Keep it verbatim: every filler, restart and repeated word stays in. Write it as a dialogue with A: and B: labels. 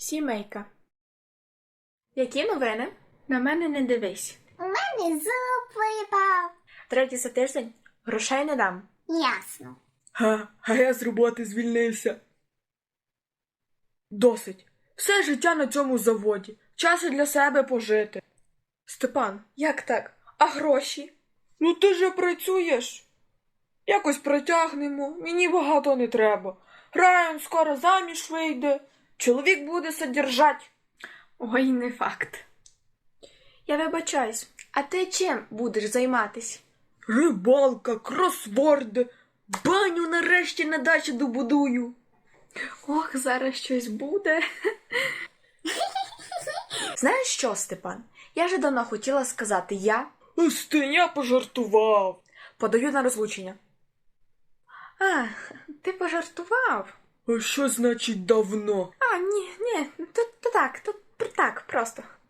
A: Сімейка. Які новини? На мене не дивись.
B: У мене зуб випав.
A: Третій за тиждень? Грошей не дам.
B: Ясно.
C: Га, а я з роботи звільнився. Досить. Все життя на цьому заводі. Час і для себе пожити.
A: Степан, як так? А гроші?
C: Ну ти же працюєш. Якось протягнемо, мені багато не треба. Райан скоро заміж вийде. Чоловік буде содержать.
A: Ой, не факт. Я вибачаюсь, а ти чим будеш займатись?
C: Рибалка, кросворди, баню нарешті на дачі добудую.
A: Ох, зараз щось буде. Знаєш що, Степан? Я вже давно хотіла сказати я
C: Остинь, я пожартував.
A: подаю на розлучення. А, ти пожартував?
C: А що значить давно?
A: А, ні, ні, то, то так, то так, просто.